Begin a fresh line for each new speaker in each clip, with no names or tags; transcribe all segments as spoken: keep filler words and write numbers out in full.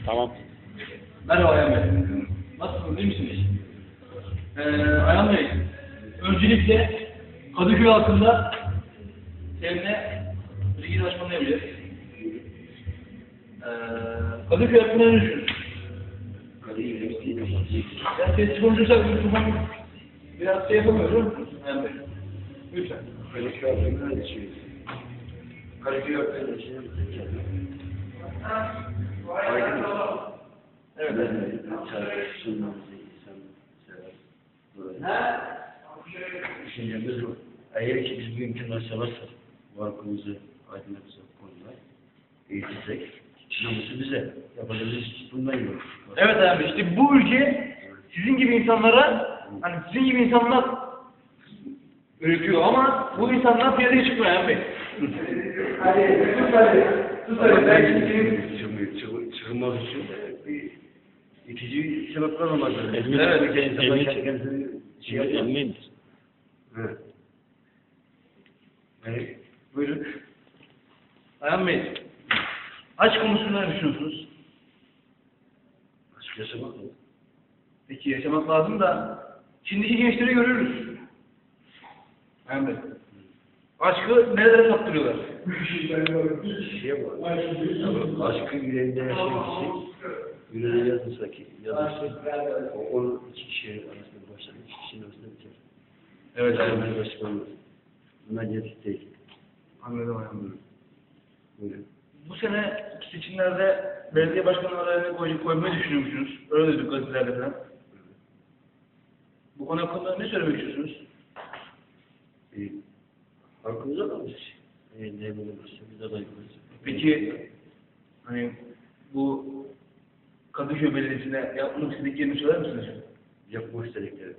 Tamam.
Merhaba Ayhan Bey. Nasılsınız, iyi misiniz? Ee, Ayhan Bey, öncelikle Kadıköy hakkında seninle bilgi danışmanlığı yapacağız. Ee, Kadıköy hakkında ne düşünüyorsun? Yani sessiz konuşursak mikrofon biraz şey yapamıyorum. Ayhan Bey, lütfen.
Kadıköy hakkında ne düşünüyorsun? Kadıköy hakkında ne düşünüyorsun? Aydın mı?
Evet.
Şarkı sunmamızı insan sever. Böyle. Düşüncemiz bu. Eğer ki biz bu imkanları seversek, bu halkımızı aydınlatacak konular eğitirsek, namusu bize. Yapacağımız iş bundan yok.
Evet abi, işte bu ülke sizin gibi insanlara, hani sizin gibi insanlar üretiyor ama bu insanlar piyasaya çıkmıyor Ayhan Bey.
Hadi, sus hadi. Sus hadi. Ben şimdi çıkılmak için bir itici sebepler olmaz.
Emniyet,
Evet.
emniyet,
Kendisini şey yapar.
emniyet.
Evet. Yani, buyurun.
Ayhan Bey, aşk konusunda ne düşünüyorsunuz?
Aşk yaşamak mı?
Peki yaşamak lazım da şimdiki gençleri görüyoruz. Ayhan Bey, aşkı nerelere saptırıyorlar?
Şey var. Aşkı yüreğinde yaşayan kişi, yüreğine yazılsa ki, yazılsa, o onun iki kişi arasında başlar, iki kişinin arasında biter.
Evet
Ayhan
Ayhan Bey.
Bey. Başka olmaz. Bunlar gerçek değil.
Anladım Ayhan Bey.
Buyurun.
Bu sene seçimlerde belediye başkanı adaylarını koy, koymayı düşünüyor musunuz? Öyle dedik gazetelerde falan. Bu konu hakkında ne söylemek istiyorsunuz?
E, Halkımıza kalmış. E, ne bulunursa biz aday koyacağız.
Peki, hani bu Kadıköy Belediyesi'ne yapmak istediklerini söyler misiniz?
Yapmak istedikleri.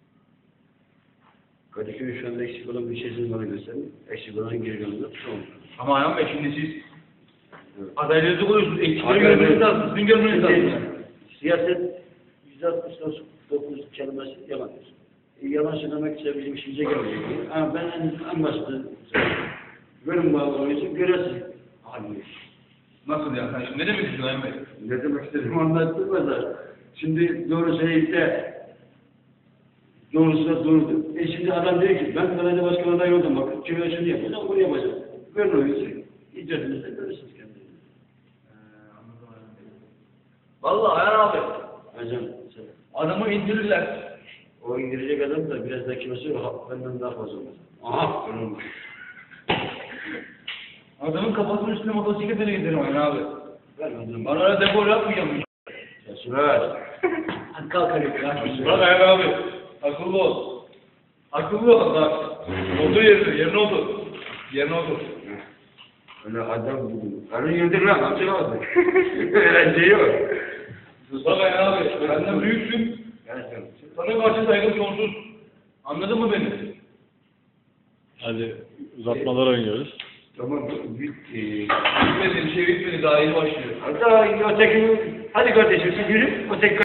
Kadıköy şu anda eksik olan bir şeysini bana gösterin. Eksik olan geri kalanı tamam.
Ama Ayhan Bey, şimdi siz
Evet.
adaylarınızı koyuyorsunuz, eksikleri
Hayır,
görmeniz
evet.
lazım, sizin görmeniz lazım.
Şimdi, siyaset yüzde altmış dokuz kelimesi yalandır. E, yalan söylemek ise bizim işimize gelmeyecek. Ama ben en, en başta görün bağlı için göresiz halinde.
Nasıl yani? Sen şimdi ne demek istiyorsun Ayhan Bey?
Ne demek istediğimi anlattım da. Şimdi doğru söyleyip de doğrusu da doğrudur. E şimdi adam diyor ki ben belediye başkanı adayı oldum. Bakın köyde şunu yapacağım, bunu yapacağım. Görün o yüzü. İcadınızda görürsünüz kendinizi.
Vallahi Ayhan abi,
Hocam sen.
adamı indirirler.
O indirecek adam da biraz da kilosu ha- benden daha fazla olur. Aha! Onun.
Adamın kafasının üstüne motosikletle giderim Ayhan abi.
Ver onu.
Bana öyle depol yapmayacağım.
Sesi ver.
Hadi kalk hadi. Bak Ayhan abi, akıllı ol. Akıllı ol bak. Otur yerine, yerine otur. Yerine otur.
Öyle adam buldum. Karın yedir lan, amca vardı. Eğlence yok.
Bak Ayhan abi, benden büyüksün.
Gerçekten.
Sana karşı saygım sonsuz. Anladın mı beni?
Hadi uzatmalara oynuyoruz.
Tamam, bitti.
Bitmedi, bir şey bitmedi, daha yeni başlıyor.
Hatta öteki, hadi kardeşim siz yürü, öteki